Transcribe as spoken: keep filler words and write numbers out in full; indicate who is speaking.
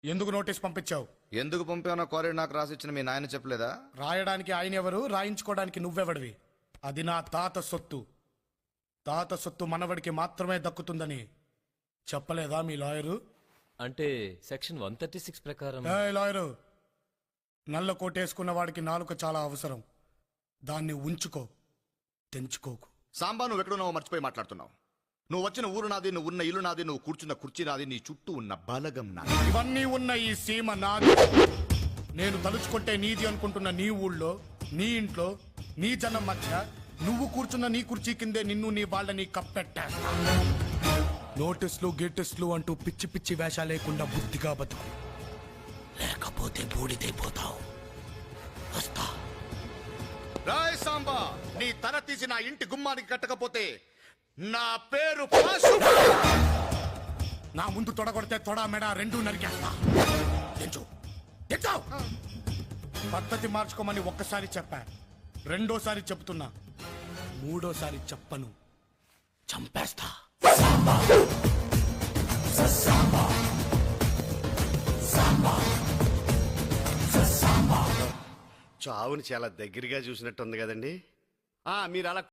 Speaker 1: ఎందుకు నోటీస్ పంపించావు?
Speaker 2: ఎందుకు పంపానో కోరి నాకు రాసిచ్చిన మీ నాయన చెప్పలేదా?
Speaker 1: రాయడానికి ఆయన ఎవరు, రాయించుకోవడానికి నువ్వెవడివి? అది నా తాత సొత్తు. తాత సొత్తు మనవడికి మాత్రమే దక్కుతుందని చెప్పలేదా మీ లాయరు?
Speaker 3: అంటే సెక్షన్ వన్ థర్టీ సిక్స్ ప్రకారం.
Speaker 1: ఏయ్ లాయరు, నల్ల కోటేసుకున్న వాడికి నాలుక చాలా అవసరం. దాన్ని ఉంచుకో, తెంచుకోకు.
Speaker 2: సాంబా, నువ్వు ఎక్కడున్నావో మర్చిపోయి మాట్లాడుతున్నావు. నువ్వు వచ్చిన ఊరు నాది, నువ్వు ఉన్న ఇల్లు నాది, నువ్వు కూర్చున్న కుర్చీ నాది, నీ చుట్టూ ఉన్న బలగం నాది.
Speaker 1: ఇవన్నీ ఉన్న ఈ సీమ నాది. నేను తలుచుకుంటే నీది అనుకుంటున్న నీ ఊళ్ళో, నీ ఇంట్లో, నీ జనం మధ్య నువ్వు కూర్చున్న నీ కుర్చీ కిందే నిన్ను నీ వాళ్ళని కప్పెట్టేస్తా. నోటీసులు గేటిస్లు అంటూ పిచ్చి పిచ్చి వేషాలు లేకుండా బుద్ధిగా బతుకు, లేకపోతే బూడిదైపోతావు. వస్తా.
Speaker 2: రాయ్ సాంబా, నీ తల తీసి నా ఇంటి గుమ్మానికి కట్టకపోతే నా పేరు పాసు.
Speaker 1: నా ముందు తొడగొడితే తొడ మెడ రెండు నరికేస్తా. తెంచు, తెంచు. పద్ధతి మార్చుకోమని ఒక్కసారి చెప్పా, రెండోసారి చెప్తున్నా, మూడోసారి చెప్పను, చంపేస్తా.
Speaker 4: చావుని చాలా దగ్గరగా చూసినట్టు ఉంది కదండి. మీరు అలా